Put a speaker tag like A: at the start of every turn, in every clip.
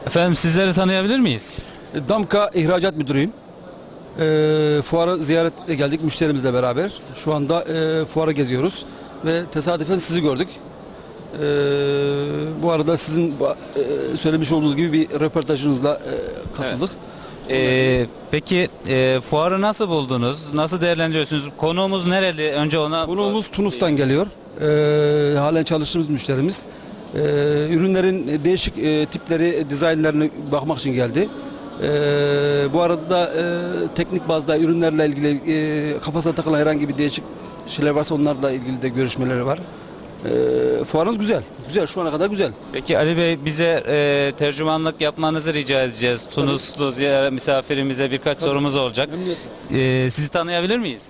A: Efendim sizleri tanıyabilir miyiz?
B: Damka İhracat Müdürüyüm. Fuarı ziyaretle geldik müşterimizle beraber. Şu anda fuarı geziyoruz ve tesadüfen sizi gördük. Bu arada sizin söylemiş olduğunuz gibi bir röportajınızla katıldık.
A: Peki fuarı nasıl buldunuz? Nasıl değerlendiriyorsunuz? Konuğumuz nereli? Önce ona...
B: Konuğumuz Tunus'tan geliyor. Halen çalıştığımız müşterimiz. Ürünlerin değişik tipleri, dizaynlarını bakmak için geldi. Bu arada da teknik bazda ürünlerle ilgili kafasına takılan herhangi bir değişik şeyler varsa onlarla ilgili de görüşmeleri var. Fuarınız güzel. Güzel. Şu ana kadar güzel.
A: Peki Ali Bey bize tercümanlık yapmanızı rica edeceğiz. Tunuslu misafirimize birkaç sorumuz olacak. Sizi tanıyabilir miyiz?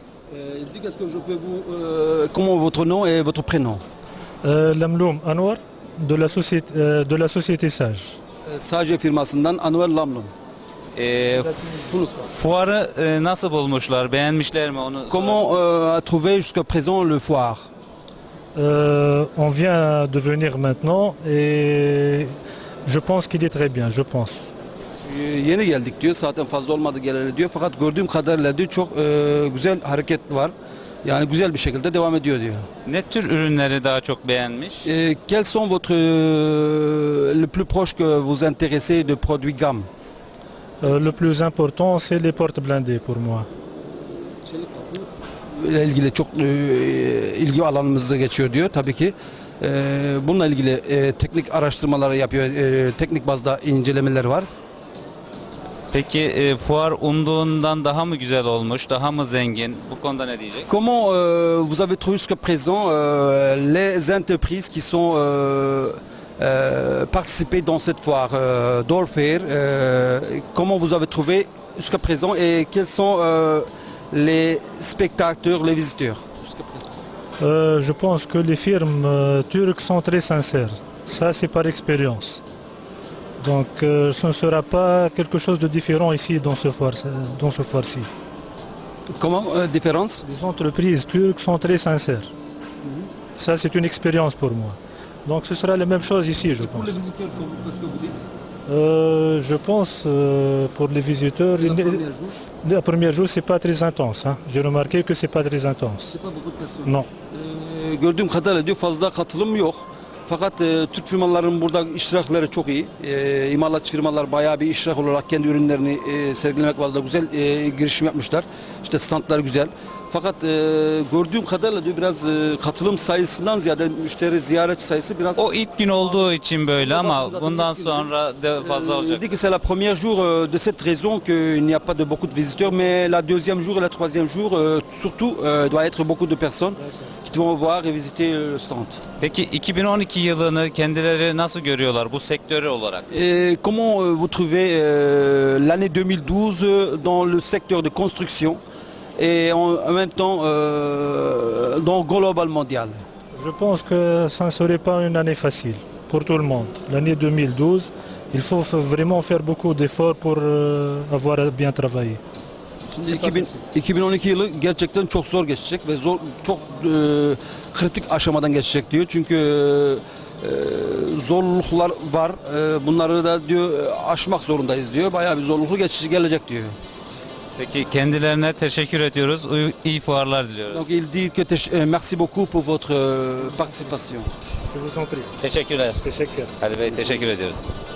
B: Comment votre nom et votre prénom?
C: Lamloum Anwar de la société Sage.
B: Sage firmasından Anwar Lamloum.
A: Fuarı nasıl bulmuşlar? Beğenmişler mi onu?
B: Comment a trouvé jusqu'à présent le foire?
C: On vient de venir maintenant et je pense qu'il est très bien, je pense.
B: Yeni geldik diyor. Zaten fazla olmadı geleli diyor. Fakat gördüğüm kadarıyla diyor çok güzel hareket var. Yani güzel bir şekilde devam ediyor diyor.
A: Ne tür ürünleri daha çok beğenmiş?
B: Quels sont votre le plus proche que vous intéressez de produits gamme?
C: Le plus important, c'est les portes blindées pour moi.
B: ile ilgili çok ilgi alanımızda geçiyor diyor. Tabii ki bununla ilgili teknik araştırmaları yapıyor. Teknik bazda incelemeler var.
A: Peki fuar umduğundan daha mı güzel olmuş, daha mı zengin? Bu konuda ne diyecek?
B: Comment vous avez trouvé jusqu'à présent les entreprises qui sont participées dans cette foire d'Orfair? Comment vous avez trouvé jusqu'à présent et quels sont les spectateurs, les visiteurs?
C: Je pense que les firmes turques sont très sincères. Ça, c'est par expérience. Donc, ce ne sera pas quelque chose de différent ici dans ce foire-ci.
B: Comment différence?
C: Les entreprises turques sont très sincères. Ça, c'est une expérience pour moi. Donc, ce sera la même chose ici, je pense.
B: Pour les visiteurs, qu'est-ce que vous dites?
C: Je pense pour les visiteurs, le premier jour, c'est pas très intense. Hein. J'ai remarqué que c'est pas très intense.
B: C'est pas beaucoup de personnes.
C: Non.
B: Gördüğüm kadarıyla diyor fazla katılım yok. Fakat Türk firmaların burada iştirakları çok iyi. İmalatçı firmalar bayağı bir iştirak olarak kendi ürünlerini sergilemek bazında güzel girişim yapmışlar. İşte standlar güzel. Fakat gördüğüm kadarıyla diyor biraz katılım sayısından ziyade müşteri ziyaretçi sayısı biraz...
A: O ilk gün olduğu için böyle ama bundan sonra da fazla olacak.
B: dit que c'est la première jour de cette raison qu'il n'y a pas de beaucoup de visiteurs, mais la deuxième jour et la troisième jour, surtout, doit être beaucoup de personnes qui vont voir et visiter le stand.
A: Peki 2012 yılını kendileri nasıl görüyorlar bu sektörü olarak?
B: Comment vous trouvez l'année 2012 dans le secteur de construction et en même temps dans le global mondial?
C: Je pense que ça ne serait pas une année facile pour tout le monde. L'année 2012, il faut vraiment faire beaucoup d'efforts pour avoir bien travaillé.
B: Şimdi 2012 yılı gerçekten çok zor geçecek ve çok kritik aşamadan geçecek diyor. Çünkü zorluklar var. Bunları da diyor aşmak zorundayız diyor. Bayağı bir zorluklu geçici gelecek diyor.
A: Peki kendilerine teşekkür ediyoruz. İyi fuarlar diliyoruz.
B: Donc il dit que merci beaucoup pour votre participation.
C: Je vous en prie.
A: Teşekkürler.
C: Teşekkür.
A: Ali Bey teşekkür ediyoruz.